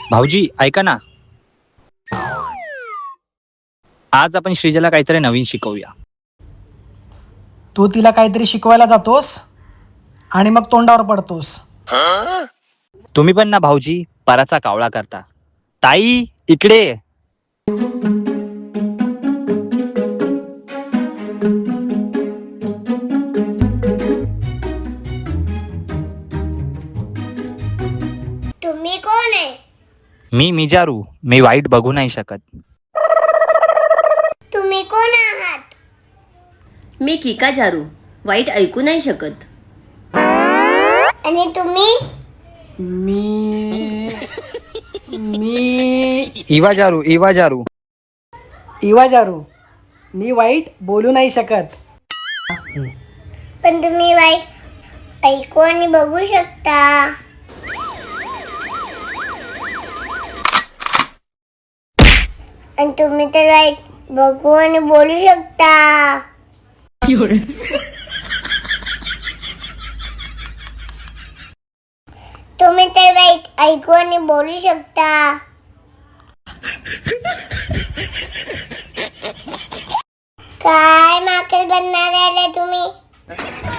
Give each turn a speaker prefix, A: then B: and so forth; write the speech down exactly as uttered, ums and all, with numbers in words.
A: भाऊजी ऐका ना, आज आपण श्रीजाला काहीतरी नवीन शिकवूया.
B: तू तिला काहीतरी शिकवायला जातोस आणि मग तोंडावर पडतोस.
A: तुम्ही पण ना भाऊजी पराचा कावळा करता. ताई इकडे.
C: तुम्ही कोण आहे?
A: मी मिजारू. मी वाईट बघू नाही शकत.
C: तुम्ही कोण आहात?
D: मी किका जारू, वाईट ऐकू नाही शकत.
C: आणि तुम्ही?
B: मी मी
A: इवा जारू इवा जारू.
B: इवा जारू, मी वाईट बोलू नाही शकत.
C: पण तुम्ही वाईट ऐकू आणि बघू शकता. आणि तुम्ही तर वाईट बघू आणि बोलू शकता. तुम्ही तर वाईट ऐकू आणि बोलू शकता. काय माकड बनणार आहे तुम्ही?